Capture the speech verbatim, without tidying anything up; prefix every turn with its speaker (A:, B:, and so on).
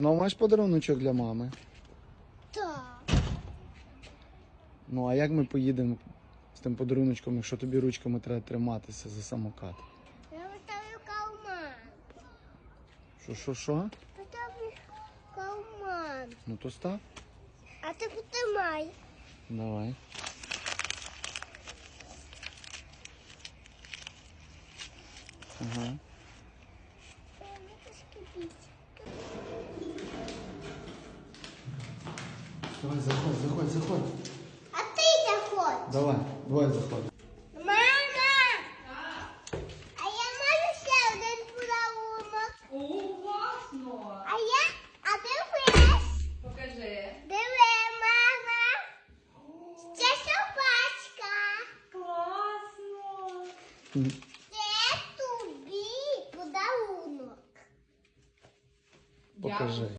A: Ну, маєш подаруночок для мами?
B: Так.
A: Ну, а як ми поїдемо з тим подаруночком, якщо тобі ручками треба триматися за самокат?
B: Я поставлю калман.
A: Що, що, що?
B: Поставлю калман.
A: Ну, то став.
B: А ти потримай.
A: Давай. Ага. Давай, заходь, заходь, заходь.
B: А ти заходь.
A: Давай, давай заходь.
B: Мама! А я маю ще один подарунок.
C: О, класно!
B: А я, а дивись.
C: Покажи.
B: Диви, мама. Це собачка.
C: Класно!
B: Це тобі подарунок.
A: Покажи.